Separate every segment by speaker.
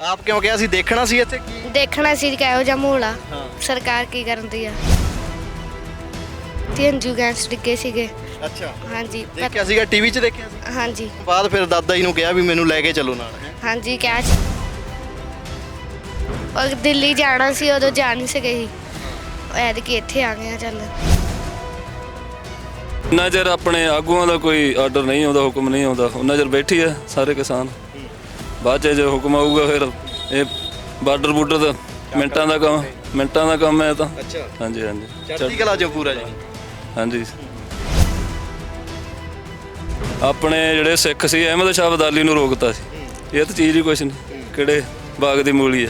Speaker 1: ਆਪ ਕਿਉਂ ਕਿਹਾ ਸੀ? ਦੇਖਣਾ ਸੀ ਇੱਥੇ ਕੀ?
Speaker 2: ਦੇਖਣਾ ਸੀ ਕਿਹੋ ਜਿਹਾ ਮਾਹੌਲ ਆ, ਸਰਕਾਰ ਕੀ ਕਰਦੀ ਆ। ਹੰਝੂ ਗੈਸ ਡਿੱਗੇ ਸੀਗੇ।
Speaker 1: ਅੱਛਾ,
Speaker 2: ਹਾਂਜੀ
Speaker 1: ਦੇਖਿਆ ਸੀਗਾ ਟੀਵੀ 'ਚ ਦੇਖਿਆ ਸੀ?
Speaker 2: ਹਾਂਜੀ
Speaker 1: ਬਾਅਦ ਫਿਰ ਦਾਦਾ ਜੀ ਨੂੰ ਕਿਹਾ ਵੀ ਮੈਨੂੰ ਲੈ ਕੇ ਚੱਲੋ ਨਾਲ।
Speaker 2: ਹਾਂਜੀ ਕਿਹਾ ਸੀ। ਔਰ ਦਿੱਲੀ ਜਾਣਾ ਸੀ, ਉਦੋਂ ਜਾ ਨਹੀਂ ਸਕੇ ਸੀ। ਐਤਕੀ ਇੱਥੇ ਆ ਗਏ ਆ। ਚੱਲ
Speaker 3: ਉਹਨਾਂ ਚਿਰ ਆਪਣੇ ਆਗੂਆਂ ਦਾ ਕੋਈ ਆਰਡਰ ਨਹੀਂ ਆਉਂਦਾ, ਹੁਕਮ ਨਹੀਂ ਆਉਂਦਾ, ਉਹਨਾਂ ਚਿਰ ਬੈਠੀ ਆ ਸਾਰੇ ਕਿਸਾਨ। ਬਾਅਦ 'ਚ ਜੇ ਹੁਕਮ ਆਊਗਾ ਫਿਰ ਇਹ ਬਾਰਡਰ ਦਾ ਮਿੰਟਾਂ ਦਾ ਕੰਮ ਹੈ ਤਾਂ।
Speaker 1: ਅੱਛਾ,
Speaker 3: ਹਾਂਜੀ ਹਾਂਜੀ
Speaker 1: ਚੜ੍ਹਦੀ ਕਲਾ 'ਚ ਪੂਰਾ ਜੀ।
Speaker 3: ਹਾਂਜੀ ਆਪਣੇ ਜਿਹੜੇ ਸਿੱਖ ਸੀ ਅਹਿਮਦ ਸ਼ਾਹ ਅਬਦਾਲੀ ਨੂੰ ਰੋਕਤਾ ਸੀ। ਇਹ ਤਾਂ ਚੀਜ਼ ਹੀ ਕੁਛ ਨਹੀਂ, ਕਿਹੜੇ ਬਾਗ ਦੀ ਮੂਲੀ ਆ।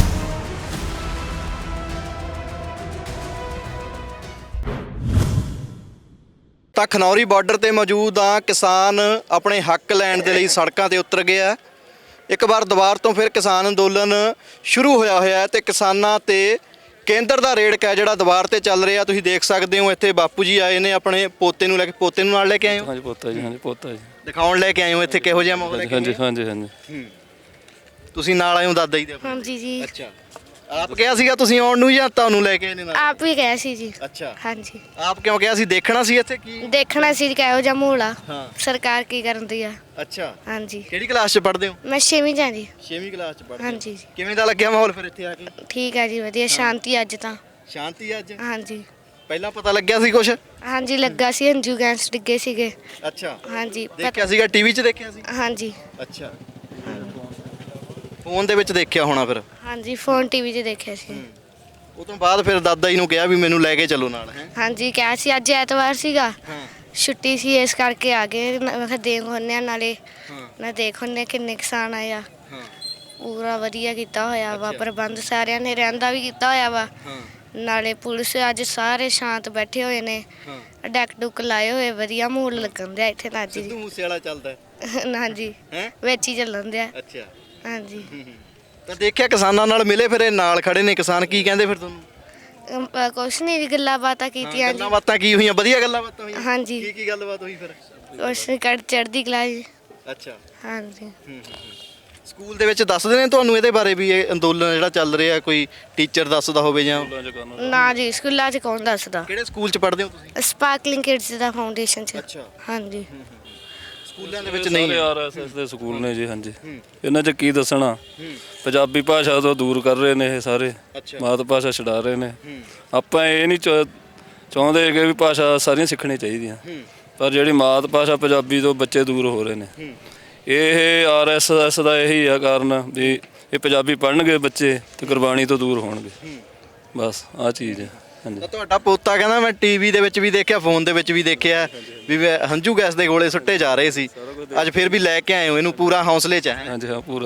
Speaker 1: ਤਾਂ ਖਨੌਰੀ ਬਾਰਡਰ ਤੇ ਮੌਜੂਦ ਆ। ਕਿਸਾਨ ਆਪਣੇ ਹੱਕ ਲੈਣ ਦੇ ਲਈ ਸੜਕਾਂ ਤੇ ਉਤਰ ਗਏ ਆ। ਇੱਕ ਵਾਰ ਦੁਬਾਰ ਤੋਂ ਫਿਰ ਕਿਸਾਨ ਅੰਦੋਲਨ ਸ਼ੁਰੂ ਹੋਇਆ ਹੈ ਤੇ ਕਿਸਾਨਾਂ ਤੇ ਕੇਂਦਰ ਦਾ ਰੇਡ ਹੈ ਜਿਹੜਾ ਦੁਬਾਰ ਤੇ ਚੱਲ ਰਿਹਾ। ਤੁਸੀਂ ਦੇਖ ਸਕਦੇ ਹੋ ਇੱਥੇ ਬਾਪੂ ਜੀ ਆਏ ਨੇ ਆਪਣੇ ਪੋਤੇ ਨੂੰ ਲੈ ਕੇ। ਪੋਤੇ ਨੂੰ ਨਾਲ ਲੈ ਕੇ ਆਏ ਹੋ?
Speaker 3: ਹਾਂਜੀ ਪੋਤਾ ਜੀ, ਹਾਂਜੀ ਪੋਤਾ ਜੀ।
Speaker 1: ਦਿਖਾਉਣ ਲੈ ਕੇ ਆਏ ਹੋ ਇੱਥੇ ਕਿਹੋ ਜਿਹਾ ਮਾਹੌਲ ਹੈ?
Speaker 3: ਹਾਂਜੀ ਹਾਂਜੀ ਹਾਂਜੀ
Speaker 1: ਤੁਸੀਂ ਨਾਲ ਆਏ ਹੋ ਦਾਦਾ ਜੀ ਦੇ?
Speaker 2: ਹਾਂਜੀ ਜੀ।
Speaker 1: ਅੱਛਾ, ਆਪ ਕਿਹਾ ਸੀਗਾ ਤੁਸੀਂ ਆਉਣ ਨੂੰ ਜਾਂ ਤੁਹਾਨੂੰ ਲੈ ਕੇ ਆਏ ਨੇ ਨਾਲ?
Speaker 2: ਆਪ ਵੀ ਗਏ ਸੀ ਜੀ।
Speaker 1: ਅੱਛਾ,
Speaker 2: ਹਾਂਜੀ
Speaker 1: ਆਪ ਕਿਉਂ ਕਿਹਾ ਸੀ? ਦੇਖਣਾ ਸੀ ਇੱਥੇ ਕੀ?
Speaker 2: ਦੇਖਣਾ ਸੀ ਕਿਹੋ ਜਿਹਾ ਮਾਹੌਲ ਆ,
Speaker 1: ਹਾਂ।
Speaker 2: ਸਰਕਾਰ ਕੀ ਕਰਦੀ ਆ।
Speaker 1: ਅੱਛਾ,
Speaker 2: ਹਾਂਜੀ
Speaker 1: ਕਿਹੜੀ ਕਲਾਸ 'ਚ ਪੜ੍ਹਦੇ ਹੋ?
Speaker 2: ਮੈਂ 6ਵੀਂ 'ਚ ਆ ਜੀ।
Speaker 1: 6ਵੀਂ ਕਲਾਸ 'ਚ ਪੜ੍ਹਦੇ ਹੋ।
Speaker 2: ਹਾਂਜੀ ਜੀ।
Speaker 1: ਕਿਵੇਂ ਦਾ ਲੱਗਿਆ ਮਾਹੌਲ ਫਿਰ ਇੱਥੇ ਆ ਕੇ?
Speaker 2: ਠੀਕ ਆ ਜੀ, ਵਧੀਆ ਸ਼ਾਂਤੀ ਅੱਜ ਤਾਂ।
Speaker 1: ਸ਼ਾਂਤੀ ਅੱਜ?
Speaker 2: ਹਾਂਜੀ
Speaker 1: ਪਹਿਲਾਂ ਪਤਾ ਲੱਗਿਆ ਸੀ ਕੁਛ?
Speaker 2: ਹਾਂਜੀ ਲੱਗਾ ਸੀ ਹੰਝੂ ਗੈਸ ਡਿੱਗੇ ਸੀਗੇ।
Speaker 1: ਅੱਛਾ,
Speaker 2: ਹਾਂਜੀ
Speaker 1: ਦੇਖਿਆ ਸੀਗਾ ਟੀਵੀ 'ਚ ਦੇਖਿਆ ਸੀ?
Speaker 2: ਹਾਂਜੀ
Speaker 1: ਅੱਛਾ, ਫੋਨ ਦੇ ਵਿੱਚ ਦੇਖਿਆ ਹੋਣਾ ਫਿਰ?
Speaker 2: ਹਾਂਜੀ ਫੋਨ ਟੀਵੀ 'ਚ ਦੇਖਿਆ ਸੀ।
Speaker 1: ਉਹ ਤੋਂ ਬਾਅਦ ਫਿਰ ਦਾਦਾ ਜੀ ਨੂੰ ਕਿਹਾ ਵੀ ਮੈਨੂੰ ਲੈ ਕੇ ਚੱਲੋ ਨਾਲ। ਹੈ
Speaker 2: ਹਾਂਜੀ ਕਿਹਾ ਸੀ। ਅੱਜ ਐਤਵਾਰ ਸੀਗਾ,
Speaker 1: ਹਾਂ
Speaker 2: ਛੁੱਟੀ ਸੀ, ਇਸ ਕਰਕੇ ਆ ਗਏ। ਮੈਂ ਕਿਹਾ ਦੇਖ ਹੁੰਦੇ ਆ ਨਾਲੇ
Speaker 1: ਹਾਂ
Speaker 2: ਨਾ ਦੇਖ ਹੁੰਦੇ ਕਿੰਨੇ ਕਿਸਾਨ ਆਏ ਆ।
Speaker 1: ਹਾਂ
Speaker 2: ਪੂਰਾ ਵਧੀਆ ਕੀਤਾ ਹੋਇਆ ਵਾ
Speaker 1: ਅੱਛਾ।
Speaker 2: ਪ੍ਰਬੰਧ, ਸਾਰਿਆਂ ਨੇ ਰਹਿਣ ਦਾ ਵੀ ਕੀਤਾ ਹੋਇਆ ਵਾ।
Speaker 1: ਹਾਂ
Speaker 2: ਨਾਲੇ ਪੁਲਿਸ ਅੱਜ ਸਾਰੇ ਸ਼ਾਂਤ ਬੈਠੇ ਹੋਏ ਨੇ,
Speaker 1: ਹਾਂ।
Speaker 2: ਡੈਕ ਡੁੱਕ ਲਾਏ ਹੋਏ, ਵਧੀਆ ਮਾਹੌਲ ਲੱਗਣ ਦਿਆ ਇੱਥੇ ਤਾਂ ਅੱਜ
Speaker 1: ਸਿੱਧੂ ਮੂਸੇ ਵਾਲਾ ਚੱਲਦਾ ਹੈ?
Speaker 2: ਹਾਂਜੀ
Speaker 1: ਹੈ
Speaker 2: ਵਿੱਚ ਹੀ ਚੱਲਣ ਦਿਆ।
Speaker 1: ਅੱਛਾ,
Speaker 2: ਹਾਂਜੀ
Speaker 1: ਤਾਂ ਦੇਖਿਆ ਕਿਸਾਨਾਂ ਨਾਲ ਮਿਲੇ ਫਿਰ? ਇਹ ਨਾਲ ਖੜੇ ਨੇ ਕਿਸਾਨ, ਕੀ ਕਹਿੰਦੇ ਫਿਰ ਤੁਹਾਨੂੰ?
Speaker 2: ਕੁਛ ਨਹੀਂ, ਗੱਲਾਂ ਬਾਤਾਂ ਕੀਤੀਆਂ ਜੀ।
Speaker 1: ਗੱਲਾਂ ਬਾਤਾਂ ਕੀ ਹੋਈਆਂ? ਵਧੀਆ ਗੱਲਾਂ ਬਾਤਾਂ ਹੋਈਆਂ?
Speaker 2: ਹਾਂਜੀ
Speaker 1: ਕੀ ਗੱਲਬਾਤ ਹੋਈ ਫਿਰ?
Speaker 2: ਕੁਛ ਨੀ, ਚੜ੍ਹਦੀ ਕਲਾ ਜੀ।
Speaker 1: ਅੱਛਾ,
Speaker 2: ਹਾਂਜੀ
Speaker 1: ਸਕੂਲ ਦੇ ਵਿੱਚ ਦੱਸਦੇ ਨੇ ਤੁਹਾਨੂੰ ਇਹਦੇ ਬਾਰੇ ਵੀ ਇਹ ਅੰਦੋਲਨ ਜਿਹੜਾ ਚੱਲ ਰਿਹਾ? ਕੋਈ ਟੀਚਰ ਦੱਸਦਾ ਹੋਵੇ ਜਾਂ?
Speaker 2: ਨਾ ਜੀ, ਸਕੂਲਾਂ 'ਚ ਕੌਣ ਦੱਸਦਾ।
Speaker 1: ਕਿਹੜੇ ਸਕੂਲ 'ਚ ਪੜ੍ਹਦੇ ਹੋ ਤੁਸੀਂ?
Speaker 2: ਸਪਾਰਕਲਿੰਗ ਕਿਡਸ ਦਾ ਫਾਊਂਡੇਸ਼ਨ 'ਚ।
Speaker 1: ਅੱਛਾ,
Speaker 2: ਹਾਂਜੀ
Speaker 1: ਸਕੂਲਾਂ ਦੇ ਵਿੱਚ ਨਹੀਂ?
Speaker 3: ਆਰਐਸਐਸ ਦੇ ਸਕੂਲ ਨੇ ਜੀ। ਹਾਂਜੀ ਇਹਨਾਂ 'ਚ ਕੀ ਦੱਸਣਾ, ਪੰਜਾਬੀ ਭਾਸ਼ਾ ਤੋਂ ਦੂਰ ਕਰ ਰਹੇ ਨੇ ਇਹ ਸਾਰੇ, ਮਾਤ ਭਾਸ਼ਾ ਛਡਾ ਰਹੇ ਨੇ। ਆਪਾਂ ਇਹ ਨਹੀਂ ਚਾਹੁੰਦੇ ਕਿ ਵੀ ਭਾਸ਼ਾ ਸਾਰੀਆਂ ਸਿੱਖਣੀਆਂ ਚਾਹੀਦੀਆਂ, ਪਰ ਜਿਹੜੀ ਮਾਤ ਭਾਸ਼ਾ ਪੰਜਾਬੀ ਤੋਂ ਬੱਚੇ ਦੂਰ ਹੋ ਰਹੇ ਨੇ। ਇਹ ਆਰਐਸਐਸ ਦਾ ਇਹੀ ਆ ਕਾਰਨ ਵੀ ਇਹ ਪੰਜਾਬੀ ਪੜ੍ਹਨਗੇ ਬੱਚੇ ਤੇ ਗੁਰਬਾਣੀ ਤੋਂ ਦੂਰ ਹੋਣਗੇ। ਬਸ ਆਹ ਚੀਜ਼ ਹੈ। ਹਾਂਜੀ
Speaker 1: ਤਾਂ ਤੁਹਾਡਾ ਪੋਤਾ ਕਹਿੰਦਾ ਮੈਂ ਟੀਵੀ ਦੇ ਵਿੱਚ ਵੀ ਦੇਖਿਆ, ਫੋਨ ਦੇ ਵਿੱਚ ਵੀ ਦੇਖਿਆ ਵੀ ਹੰਝੂ ਗੈਸ ਦੇ ਗੋਲੇ ਸੁੱਟੇ ਜਾ ਰਹੇ ਸੀ। ਅੱਜ ਫਿਰ ਵੀ ਲੈ ਕੇ ਆਏ ਹੋ ਇਹਨੂੰ, ਪੂਰਾ ਹੌਸਲੇ 'ਚ ਹੈ?
Speaker 3: ਹਾਂਜੀ ਹਾਂ ਪੂਰਾ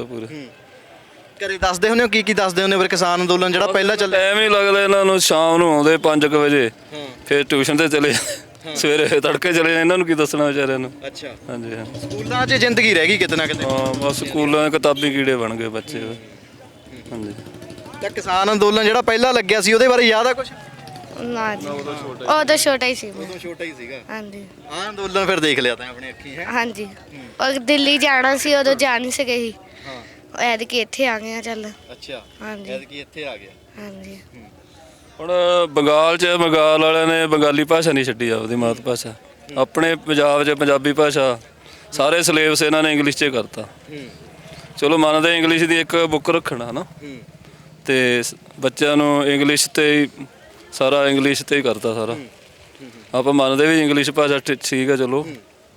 Speaker 1: ਘਰੇ ਦੱਸਦੇ ਹੁੰਦੇ ਹੋ? ਕੀ ਦੱਸਦੇ ਹੁੰਦੇ ਫਿਰ ਕਿਸਾਨ ਅੰਦੋਲਨ ਜਿਹੜਾ ਪਹਿਲਾਂ ਚੱਲਿਆ?
Speaker 3: ਟਾਈਮ ਹੀ ਲੱਗਦਾ ਇਹਨਾਂ ਨੂੰ, ਸ਼ਾਮ ਨੂੰ ਆਉਂਦੇ 5 ਵਜੇ, ਫਿਰ ਟਿਊਸ਼ਨ ਤੇ ਚਲੇ, ਸਵੇਰੇ ਤੜਕੇ ਚਲੇ। ਇਹਨਾਂ ਨੂੰ ਕੀ ਦੱਸਣਾ ਵਿਚਾਰਿਆਂ ਨੂੰ।
Speaker 1: ਅੱਛਾ,
Speaker 3: ਹਾਂਜੀ ਹਾਂ
Speaker 1: ਸਕੂਲਾਂ 'ਚ ਜ਼ਿੰਦਗੀ ਰਹਿ ਗਈ ਕਿਤੇ ਨਾ ਕਿਤੇ।
Speaker 3: ਹਾਂ ਬਸ ਸਕੂਲਾਂ ਦੇ ਕਿਤਾਬੀ ਕੀੜੇ ਬਣ ਗਏ ਬੱਚੇ। ਹਾਂਜੀ
Speaker 1: ਤਾਂ ਕਿਸਾਨ ਅੰਦੋਲਨ ਜਿਹੜਾ ਪਹਿਲਾਂ ਲੱਗਿਆ ਸੀ ਉਹਦੇ ਬਾਰੇ ਯਾਦ ਆ ਕੁਝ?
Speaker 2: ਨਾ ਜੀ, ਉਦੋਂ ਛੋਟਾ ਹੀ ਸੀ ਮੈਂ।
Speaker 1: ਉਦੋਂ ਛੋਟਾ ਹੀ ਸੀਗਾ।
Speaker 2: ਹਾਂਜੀ
Speaker 1: ਆਹ ਅੰਦੋਲਨ ਫਿਰ ਦੇਖ ਲਿਆ ਤਾਂ ਆਪਣੀ ਅੱਖੀਂ? ਹੈ
Speaker 2: ਹਾਂਜੀ ਔਰ ਦਿੱਲੀ ਜਾਣਾ ਸੀ, ਉਦੋਂ ਜਾ ਨਹੀਂ ਸਕੇ ਸੀ।
Speaker 1: ਹਾਂ
Speaker 2: ਐਤਕੀ ਇੱਥੇ ਆ ਗਏ ਆ। ਚੱਲ
Speaker 1: ਅੱਛਾ,
Speaker 2: ਹਾਂਜੀ
Speaker 1: ਐਤਕੀ ਇੱਥੇ ਆ ਗਿਆ।
Speaker 2: ਹਾਂਜੀ
Speaker 3: ਹੁਣ ਬੰਗਾਲ 'ਚ ਬੰਗਾਲ ਵਾਲਿਆਂ ਨੇ ਬੰਗਾਲੀ ਭਾਸ਼ਾ ਨਹੀਂ ਛੱਡੀ, ਆਪਦੀ ਮਾਤ ਭਾਸ਼ਾ। ਆਪਣੇ ਪੰਜਾਬ 'ਚ ਪੰਜਾਬੀ ਭਾਸ਼ਾ ਸਾਰੇ ਸਿਲੇਬਸ ਇਹਨਾਂ ਨੇ ਇੰਗਲਿਸ਼ 'ਚ ਕਰਤਾ। ਚਲੋ ਮੰਨਦੇ ਇੰਗਲਿਸ਼ ਦੀ ਇੱਕ ਬੁੱਕ ਰੱਖਣਾ ਹੈ ਨਾ, ਤੇ ਬੱਚਿਆਂ ਨੂੰ ਇੰਗਲਿਸ਼ ਤੇ ਹੀ ਸਾਰਾ, ਇੰਗਲਿਸ਼ ਤੇ ਹੀ ਕਰਤਾ ਸਾਰਾ। ਆਪਾਂ ਮੰਨਦੇ ਵੀ ਇੰਗਲਿਸ਼ ਭਾਸ਼ਾ ਠੀਕ ਹੈ ਚਲੋ।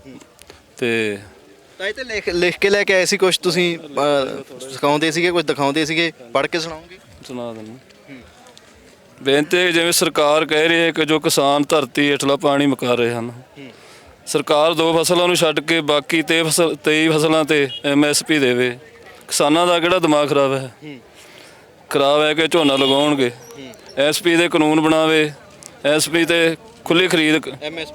Speaker 3: ਤੇ
Speaker 1: ਤਾਂ ਇਹ ਤੇ ਲਿਖ ਕੇ ਲੈ ਕੇ ਆਏ ਸੀ ਕੁਝ ਤੁਸੀਂ? ਸਿਖਾਉਂਦੇ ਸੀਗੇ, ਕੁਝ ਦਿਖਾਉਂਦੇ ਸੀਗੇ? ਪੜ੍ਹ ਕੇ ਸੁਣਾਓਗੇ?
Speaker 3: ਸੁਣਾ ਦਿੰਦਾ ਬੇਨਤੀ। ਜਿਵੇਂ ਸਰਕਾਰ ਕਹਿ ਰਹੀ ਹੈ ਕਿ ਜੋ ਕਿਸਾਨ ਧਰਤੀ ਹੇਠਲਾ ਪਾਣੀ ਮੁਕਾ ਰਹੇ ਹਨ, ਸਰਕਾਰ 2 ਫਸਲਾਂ ਨੂੰ ਛੱਡ ਕੇ ਬਾਕੀ 23 ਫਸਲਾਂ ਤੇ MSP ਦੇਵੇ। ਕਿਸਾਨਾਂ ਦਾ ਕਿਹੜਾ ਦਿਮਾਗ ਖਰਾਬ ਹੈ? ਖਰਾਬ ਹੈ ਕਿ ਝੋਨਾ ਲਗਾਉਣਗੇ। SP ਦੇ ਕਾਨੂੰਨ ਬਣਾਵੇ, SP ਤੇ ਖੁੱਲ੍ਹੀ ਖਰੀਦ,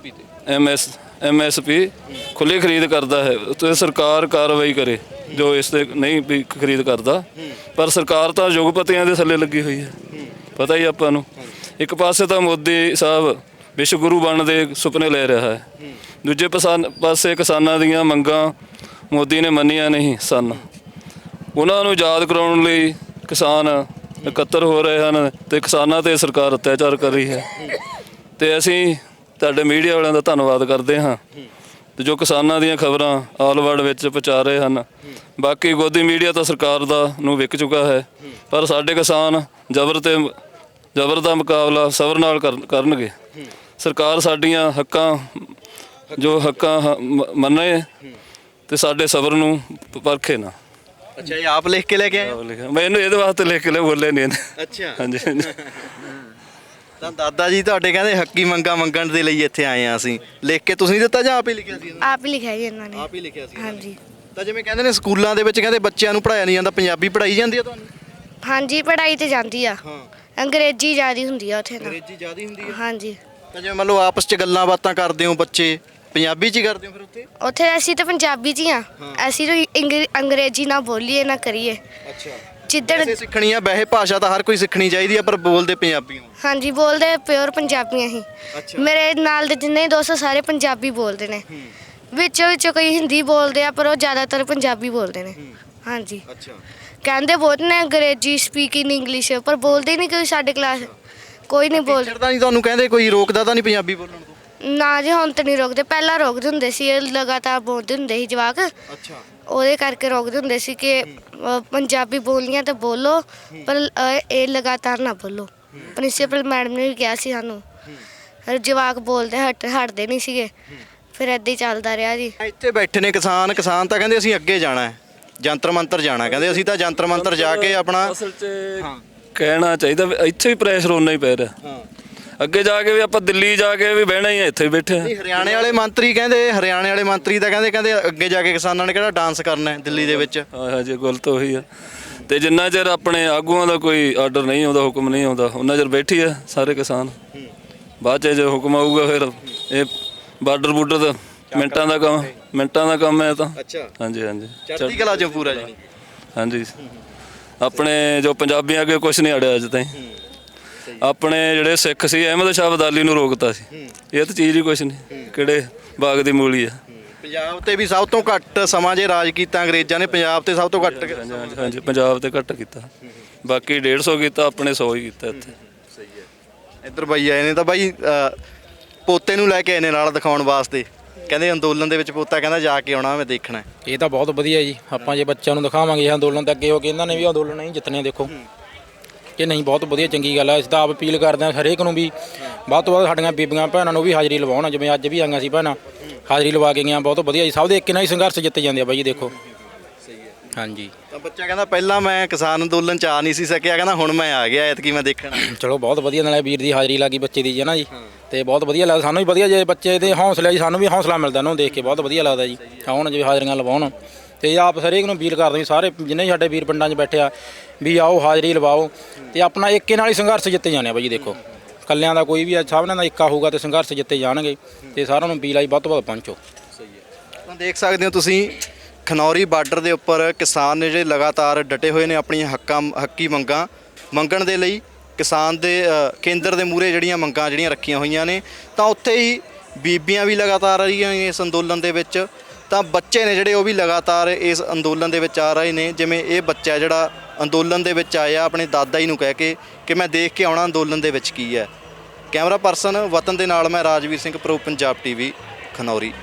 Speaker 3: MSP ਖੁੱਲ੍ਹੀ ਖਰੀਦ ਕਰਦਾ ਹੈ ਤੇ ਸਰਕਾਰ ਕਾਰਵਾਈ ਕਰੇ ਜੋ ਇਸ ਤੇ ਨਹੀਂ ਵੀ ਖਰੀਦ ਕਰਦਾ। ਪਰ ਸਰਕਾਰ ਤਾਂ ਯੁਗਪਤੀਆਂ ਦੇ ਥੱਲੇ ਲੱਗੀ ਹੋਈ ਹੈ, ਪਤਾ ਹੀ ਆਪਾਂ ਨੂੰ। ਇੱਕ ਪਾਸੇ ਤਾਂ ਮੋਦੀ ਸਾਹਿਬ ਵਿਸ਼ਵ ਗੁਰੂ ਬਣਨ ਦੇ ਸੁਪਨੇ ਲੈ ਰਿਹਾ ਹੈ, ਦੂਜੇ ਪਾਸੇ ਕਿਸਾਨਾਂ ਦੀਆਂ ਮੰਗਾਂ ਮੋਦੀ ਨੇ ਮੰਨੀਆਂ ਨਹੀਂ ਸਨ। ਉਹਨਾਂ ਨੂੰ ਯਾਦ ਕਰਾਉਣ ਲਈ ਕਿਸਾਨ ਇਕੱਤਰ ਹੋ ਰਹੇ ਹਨ ਤੇ ਕਿਸਾਨਾਂ ਤੇ ਸਰਕਾਰ ਅਤਿਆਚਾਰ ਕਰ ਰਹੀ ਹੈ। ਤੇ ਅਸੀਂ ਤੁਹਾਡੇ ਮੀਡੀਆ ਵਾਲਿਆਂ ਦਾ ਧੰਨਵਾਦ ਕਰਦੇ ਹਾਂ ਤੇ ਜੋ ਕਿਸਾਨਾਂ ਦੀਆਂ ਖਬਰਾਂ ਆਲ ਵਰਲਡ ਵਿੱਚ ਪਹੁੰਚਾ ਰਹੇ ਹਨ। ਬਾਕੀ ਗੋਦੀ ਮੀਡੀਆ ਤਾਂ ਸਰਕਾਰ ਦਾ ਨੂੰ ਵਿਕ ਚੁੱਕਾ ਹੈ, ਪਰ ਸਾਡੇ ਕਿਸਾਨ ਜ਼ਬਰ ਦਾ ਮੁਕਾਬਲਾ ਸਬਰ ਨਾਲ ਕਰਨਗੇ। ਸਰਕਾਰ ਸਾਡੀਆਂ ਹੱਕਾਂ ਮੰਨੇ ਤੇ ਸਾਡੇ ਸਬਰ ਨੂੰ ਪਰਖੇ ਨਾ।
Speaker 1: ਅੱਛਾ, ਇਹ ਆਪ ਲਿਖ ਕੇ ਲੈ ਕੇ ਆਏ?
Speaker 3: ਮੈਨੂੰ ਇਹਦੇ ਵਾਸਤੇ ਲਿਖ ਕੇ ਬੋਲੇ ਨਹੀਂ ਇਹਨੇ।
Speaker 1: ਅੱਛਾ,
Speaker 3: ਹਾਂਜੀ
Speaker 1: ਤਾਂ ਦਾਦਾ ਜੀ ਤੁਹਾਡੇ ਕਹਿੰਦੇ ਹੱਕੀ ਮੰਗਾਂ ਮੰਗਣ ਦੇ ਲਈ ਇੱਥੇ ਆਏ ਆ ਅਸੀਂ। ਲਿਖ ਕੇ ਤੁਸੀਂ ਦਿੱਤਾ ਜਾਂ ਆਪ ਹੀ ਲਿਖਿਆ ਸੀ?
Speaker 2: ਆਪ ਹੀ ਲਿਖਿਆ ਜੀ ਇਹਨਾਂ ਨੇ।
Speaker 1: ਆਪ ਹੀ ਲਿਖਿਆ ਸੀ?
Speaker 2: ਹਾਂਜੀ।
Speaker 1: ਤਾਂ ਜਿਵੇਂ ਕਹਿੰਦੇ ਨੇ ਸਕੂਲਾਂ ਦੇ ਵਿੱਚ ਕਹਿੰਦੇ ਬੱਚਿਆਂ ਨੂੰ ਪੜ੍ਹਾਇਆ ਨਹੀਂ ਜਾਂਦਾ, ਪੰਜਾਬੀ ਪੜ੍ਹਾਈ ਜਾਂਦੀ ਆ ਤੁਹਾਨੂੰ?
Speaker 2: ਹਾਂਜੀ, ਪੜ੍ਹਾਈ ਤੇ ਜਾਂਦੀ ਆ।
Speaker 1: ਹਾਂ,
Speaker 2: ਅੰਗਰੇਜ਼ੀ ਜ਼ਿਆਦੀ ਹੁੰਦੀ ਆ ਉੱਥੇ ਤਾਂ।
Speaker 1: ਅੰਗਰੇਜ਼ੀ ਜ਼ਿਆਦਾ ਹੁੰਦੀ ਆ?
Speaker 2: ਹਾਂਜੀ।
Speaker 1: ਤਾਂ ਜਿਵੇਂ ਮੰਨ ਲਓ ਆਪਸ 'ਚ ਗੱਲਾਂ ਬਾਤਾਂ ਕਰਦੇ ਹੋ ਬੱਚੇ, ਪੰਜਾਬੀ 'ਚ ਹੀ ਕਰਦੇ ਹੋ ਫਿਰ ਉੱਥੇ?
Speaker 2: ਉੱਥੇ ਅਸੀਂ ਤਾਂ ਪੰਜਾਬੀ 'ਚ ਹੀ ਆ। ਅਸੀਂ ਤਾਂ ਅੰਗਰੇਜ਼ੀ ਨਾ ਬੋਲੀਏ ਨਾ ਕਰੀਏ।
Speaker 1: ਅੱਛਾ,
Speaker 2: ਜਿੱਦਣ
Speaker 1: ਵੈਸੇ ਸਿੱਖਣੀ ਆ, ਵੈਸੇ ਭਾਸ਼ਾ ਤਾਂ ਹਰ ਕੋਈ ਸਿੱਖਣੀ ਚਾਹੀਦੀ ਆ, ਪਰ ਬੋਲਦੇ ਪੰਜਾਬੀ ਹੋ?
Speaker 2: ਹਾਂਜੀ, ਬੋਲਦੇ ਪਿਓਰ ਪੰਜਾਬੀ ਅਸੀਂ।
Speaker 1: ਅੱਛਾ।
Speaker 2: ਮੇਰੇ ਨਾਲ ਦੇ ਜਿੰਨੇ ਦੋਸਤ ਸਾਰੇ ਪੰਜਾਬੀ ਬੋਲਦੇ ਨੇ। ਵਿੱਚੋਂ ਕੋਈ ਹਿੰਦੀ ਬੋਲਦੇ ਆ, ਪਰ ਉਹ ਜ਼ਿਆਦਾਤਰ ਪੰਜਾਬੀ ਬੋਲਦੇ ਨੇ। ਹਾਂਜੀ।
Speaker 1: ਅੱਛਾ,
Speaker 2: ਕਹਿੰਦੇ ਬਹੁਤ ਨੇ ਅੰਗਰੇਜ਼ੀ ਸਪੀਕਿੰਗ ਇੰਗਲਿਸ਼, ਪਰ ਬੋਲਦੇ ਨਹੀਂ ਕੋਈ ਸਾਡੇ ਕਲਾਸ। ਕੋਈ ਨਹੀਂ ਬੋਲਦਾ।
Speaker 1: ਟੀਚਰ ਤਾਂ ਨਹੀਂ ਤੁਹਾਨੂੰ ਕਹਿੰਦੇ ਕੋਈ ਰੋਕਦਾ ਤਾਂ ਨਹੀਂ ਪੰਜਾਬੀ ਬੋਲਣ ਤੋਂ?
Speaker 2: ਨਾ ਜੀ, ਹੁਣ ਤਾਂ ਨਹੀਂ ਰੋਕਦੇ। ਪਹਿਲਾਂ ਰੋਕਦੇ ਹੁੰਦੇ ਸੀ, ਇਹ ਲਗਾਤਾਰ ਬੋਲਦੇ ਹੁੰਦੇ ਸੀ ਜਵਾਕ।
Speaker 1: ਅੱਛਾ,
Speaker 2: ਉਹਦੇ ਕਰਕੇ ਰੋਕਦੇ ਹੁੰਦੇ ਸੀ ਕਿ ਪੰਜਾਬੀ ਬੋਲਣੀ ਆ ਤਾਂ ਬੋਲੋ, ਪਰ ਇਹ ਲਗਾਤਾਰ ਨਾ ਬੋਲੋ। ਪ੍ਰਿੰਸੀਪਲ ਮੈਡਮ ਨੇ ਵੀ ਕਿਹਾ ਸੀ ਸਾਨੂੰ। ਜਵਾਕ ਬੋਲਦੇ ਹਟਦੇ ਨਹੀਂ ਸੀਗੇ। ਫਿਰ ਏਦਾਂ ਹੀ ਚੱਲਦਾ ਰਿਹਾ ਜੀ।
Speaker 1: ਇੱਥੇ ਬੈਠੇ ਨੇ ਕਿਸਾਨ ਤਾਂ ਕਹਿੰਦੇ ਅਸੀਂ ਅੱਗੇ ਜਾਣਾ ਹੈ, ਜੰਤਰ ਮੰਤਰ ਜਾਣਾ। ਕਹਿੰਦੇ ਅਸੀਂ ਤਾਂ ਜੰਤਰ ਮੰਤਰ ਜਾ ਕੇ ਆਪਣਾ
Speaker 3: ਅਸਲ 'ਚ ਕਹਿਣਾ ਚਾਹੀਦਾ ਵੀ ਇੱਥੇ ਵੀ ਪ੍ਰੈਸ਼ਰ ਓਨਾ ਹੀ ਪੈ ਰਿਹਾ।
Speaker 1: ਹਾਂ,
Speaker 3: ਅੱਗੇ ਜਾ ਕੇ ਵੀ ਆਪਾਂ ਦਿੱਲੀ ਜਾ ਕੇ ਵੀ ਬਹਿਣਾ ਹੀ ਆ, ਇੱਥੇ ਬੈਠੇ ਆ।
Speaker 1: ਨਹੀਂ, ਹਰਿਆਣੇ ਵਾਲੇ ਮੰਤਰੀ ਤਾਂ ਕਹਿੰਦੇ ਅੱਗੇ ਜਾ ਕੇ ਕਿਸਾਨਾਂ ਨੇ ਕਿਹੜਾ ਡਾਂਸ ਕਰਨਾ ਹੈ ਦਿੱਲੀ ਦੇ ਵਿੱਚ।
Speaker 3: ਹਾਂਜੀ, ਗੱਲ ਤਾਂ ਉਹੀ ਆ। ਤੇ ਜਿੰਨਾ ਚਿਰ ਆਪਣੇ ਆਗੂਆਂ ਦਾ ਕੋਈ ਆਰਡਰ ਨਹੀਂ ਆਉਂਦਾ, ਹੁਕਮ ਨਹੀਂ ਆਉਂਦਾ, ਉਹਨਾਂ ਚਿਰ ਬੈਠੀ ਆ ਸਾਰੇ ਕਿਸਾਨ। ਬਾਅਦ 'ਚ ਜੇ ਹੁਕਮ ਆਊਗਾ ਫਿਰ ਇਹ ਬਾਰਡਰ ਦਾ ਮਿੰਟਾਂ ਦਾ ਕੰਮ ਹੈ ਤਾਂ।
Speaker 1: ਅੱਛਾ,
Speaker 3: ਹਾਂਜੀ ਹਾਂਜੀ,
Speaker 1: ਚੜ੍ਹਦੀ ਕਲਾ ਚੋਂ ਪੂਰਾ ਜੀ।
Speaker 3: ਹਾਂਜੀ, ਆਪਣੇ ਜੋ ਪੰਜਾਬੀਆਂ ਅੱਗੇ ਕੁਝ ਨਹੀਂ ਅੜਿਆ ਅੱਜ ਤਾਈਂ। ਆਪਣੇ ਜਿਹੜੇ ਸਿੱਖ ਸੀ ਅਹਿਮਦ ਸ਼ਾਹ ਅਬਦਾਲੀ ਨੂੰ ਰੋਕਤਾ ਸੀ। ਇਹ ਤਾਂ ਚੀਜ਼ ਹੀ ਕੁਛ ਨਹੀਂ, ਕਿਹੜੇ ਬਾਗ ਦੀ ਮੂਲੀ ਆ।
Speaker 1: ਪੰਜਾਬ ਤੇ ਵੀ ਸਭ ਤੋਂ ਘੱਟ ਸਮਾਂ ਜੇ ਰਾਜ ਕੀਤਾ ਅੰਗਰੇਜ਼ਾਂ ਨੇ, ਪੰਜਾਬ ਤੇ ਸਭ ਤੋਂ ਘੱਟ।
Speaker 3: ਹਾਂਜੀ, ਪੰਜਾਬ ਤੇ ਘੱਟ ਕੀਤਾ, ਬਾਕੀ 150 ਕੀਤਾ, ਆਪਣੇ 100 ਹੀ ਕੀਤਾ ਇੱਥੇ।
Speaker 1: ਸਹੀ ਹੈ। ਇੱਧਰ ਬਾਈ ਆਏ ਨੇ ਤਾਂ ਬਾਈ ਪੋਤੇ ਨੂੰ ਲੈ ਕੇ ਆਏ ਨੇ ਨਾਲ ਦਿਖਾਉਣ ਵਾਸਤੇ। ਕਹਿੰਦੇ ਅੰਦੋਲਨ ਦੇ ਵਿੱਚ ਪੋਤਾ ਕਹਿੰਦਾ ਜਾ ਕੇ ਆਉਣਾ, ਮੈਂ ਦੇਖਣਾ।
Speaker 4: ਇਹ ਤਾਂ ਬਹੁਤ ਵਧੀਆ ਜੀ। ਆਪਾਂ ਜੇ ਬੱਚਿਆਂ ਨੂੰ ਦਿਖਾਵਾਂਗੇ ਅੰਦੋਲਨ ਤੇ ਅੱਗੇ ਹੋ ਕੇ ਇਹਨਾਂ ਨੇ ਵੀ ਅੰਦੋਲਨ ਨਹੀਂ ਜਿੱਤਣੇ। ਦੇਖੋ ਕਿ ਨਹੀਂ, ਬਹੁਤ ਵਧੀਆ ਚੰਗੀ ਗੱਲ ਹੈ। ਅਸੀਂ ਤਾਂ ਆਪ ਅਪੀਲ ਕਰਦੇ ਹਾਂ ਹਰੇਕ ਨੂੰ ਵੀ ਵੱਧ ਤੋਂ ਵੱਧ ਸਾਡੀਆਂ ਬੀਬੀਆਂ ਭੈਣਾਂ ਨੂੰ ਵੀ ਹਾਜ਼ਰੀ ਲਵਾਉਣ। ਜਿਵੇਂ ਅੱਜ ਵੀ ਆਈਆਂ ਸੀ ਭੈਣਾਂ, ਹਾਜ਼ਰੀ ਲਵਾ ਕੇ ਗਈਆਂ। ਬਹੁਤ ਵਧੀਆ ਜੀ। ਸਭ ਦੇ ਇੱਕ ਨਾਲ ਹੀ ਸੰਘਰਸ਼ ਜਿੱਤੇ ਜਾਂਦੇ ਆ ਬਾਈ ਜੀ। ਦੇਖੋ ਹਾਂਜੀ।
Speaker 1: ਤਾਂ ਬੱਚਾ ਕਹਿੰਦਾ ਪਹਿਲਾਂ ਮੈਂ ਕਿਸਾਨ ਅੰਦੋਲਨ 'ਚ ਆ ਨਹੀਂ ਸੀ ਸਕਿਆ, ਕਹਿੰਦਾ ਹੁਣ ਮੈਂ ਆ ਗਿਆ ਐਤਕੀ ਮੈਂ ਦੇਖਣਾ।
Speaker 4: ਚਲੋ ਬਹੁਤ ਵਧੀਆ, ਨਾਲੇ ਵੀਰ ਦੀ ਹਾਜ਼ਰੀ ਲੱਗੀ ਬੱਚੇ ਦੀ ਜੀ ਨਾ ਜੀ। ਤੇ ਬਹੁਤ ਵਧੀਆ ਲੱਗਦਾ ਸਾਨੂੰ ਵੀ। ਵਧੀਆ ਜੇ ਬੱਚੇ ਦੇ ਹੌਸਲੇ ਜੀ, ਸਾਨੂੰ ਵੀ ਹੌਸਲਾ ਮਿਲਦਾ ਉਹਨੂੰ ਦੇਖ ਕੇ, ਬਹੁਤ ਵਧੀਆ ਲੱਗਦਾ ਜੀ। ਆਉਣ ਜੇ ਹਾਜ਼ਰੀਆਂ ਲਵਾਉਣ। ਤੇ ਆਪ ਹਰੇਕ ਨੂੰ ਅਪੀਲ ਕਰਦੇ ਸਾਰੇ ਜਿੰਨੇ ਸਾਡੇ ਵੀਰ ਪਿੰਡਾਂ 'ਚ ਬੈਠੇ ਆ ਵੀ ਆਓ ਹਾਜ਼ਰੀ ਲਵਾਓ ਤੇ ਆਪਣਾ ਏਕੇ ਨਾਲ ਹੀ ਸੰਘਰਸ਼ ਜਿੱਤੇ ਜਾਣੇ ਆ ਬਾਈ ਜੀ। ਦੇਖੋ ਕੱਲਿਆਂ ਦਾ ਕੋਈ ਵੀ ਸਭ ਦਾ ਏਕਾ ਹੋਊਗਾ ਤੇ ਸੰਘਰਸ਼ ਜਿੱਤੇ ਜਾਣਗੇ। ਤੇ ਸਾਰਿਆਂ ਨੂੰ ਅਪੀਲ ਆਈ ਵੱਧ ਤੋਂ ਵੱਧ ਪਹੁੰਚੋ।
Speaker 1: ਸਹੀ ਹੈ। ਤਾਂ ਦੇਖ ਸਕਦੇ ਹੋ ਤੁਸੀਂ ਖਨੌਰੀ ਬਾਰਡਰ ਦੇ ਉੱਪਰ ਕਿਸਾਨ ਨੇ ਜਿਹੜੇ ਲਗਾਤਾਰ ਡਟੇ ਹੋਏ ਨੇ ਆਪਣੀਆਂ ਹੱਕੀ ਮੰਗਾਂ ਮੰਗਣ ਦੇ ਲਈ। ਕਿਸਾਨ ਦੇ ਕੇਂਦਰ ਦੇ ਮੂਹਰੇ ਜਿਹੜੀਆਂ ਮੰਗਾਂ ਰੱਖੀਆਂ ਹੋਈਆਂ ਨੇ, ਤਾਂ ਉੱਥੇ ਹੀ ਬੀਬੀਆਂ ਵੀ ਲਗਾਤਾਰ ਆ ਰਹੀਆਂ ਇਸ ਅੰਦੋਲਨ ਦੇ ਵਿੱਚ। ਤਾਂ ਬੱਚੇ ਨੇ ਜਿਹੜੇ ਉਹ ਵੀ ਲਗਾਤਾਰ ਇਸ ਅੰਦੋਲਨ ਦੇ ਵਿੱਚ ਆ ਰਹੇ ਨੇ। ਜਿਵੇਂ ਇਹ ਬੱਚਾ ਜਿਹੜਾ ਅੰਦੋਲਨ ਦੇ ਵਿੱਚ ਆਇਆ ਆਪਣੇ ਦਾਦਾ ਜੀ ਨੂੰ ਕਹਿ ਕੇ ਕਿ ਮੈਂ ਦੇਖ ਕੇ ਆਉਣਾ ਅੰਦੋਲਨ ਦੇ ਵਿੱਚ ਕੀ ਹੈ। ਕੈਮਰਾ ਪਰਸਨ ਵਤਨ ਦੇ ਨਾਲ ਮੈਂ ਰਾਜਵੀਰ ਸਿੰਘ, ਪ੍ਰੋ ਪੰਜਾਬ ਟੀਵੀ, ਖਨੌਰੀ।